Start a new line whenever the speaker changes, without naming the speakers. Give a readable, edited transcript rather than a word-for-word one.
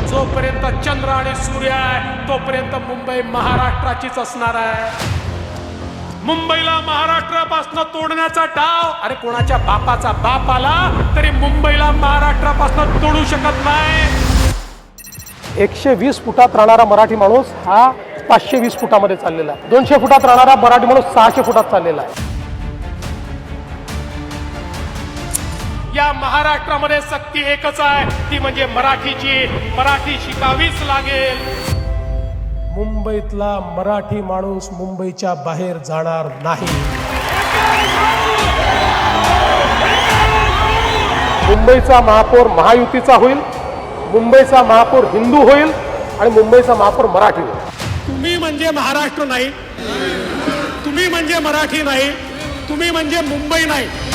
जोपर्यंत चंद्र आणि सूर्य आहे तोपर्यंत मुंबई महाराष्ट्राचीच असणार आहे. मुंबईला महाराष्ट्रापासून तोडण्याचा डाव, अरे कोणाच्या बापाचा बाप आला तरी मुंबईला महाराष्ट्रापासून तोडू शकत नाही.
120 फुटात राहणारा मराठी माणूस हा 520 फुटामध्ये चाललेला आहे. 200 फुटात राहणारा मराठी माणूस 600 फुटात चाललेला आहे.
या महाराष्ट्रामध्ये सक्ती एकच आहे, ती म्हणजे मराठीची. मराठी शिकावीच लागेल.
मुंबईतला मराठी माणूस मुंबईच्या बाहेर जाणार नाही. मुंबईचा महापौर महायुतीचा होईल, मुंबईचा महापौर हिंदू होईल आणि मुंबईचा महापौर मराठी होईल.
तुम्ही म्हणजे महाराष्ट्र नाही, तुम्ही म्हणजे मराठी नाही, तुम्ही म्हणजे मुंबई नाही.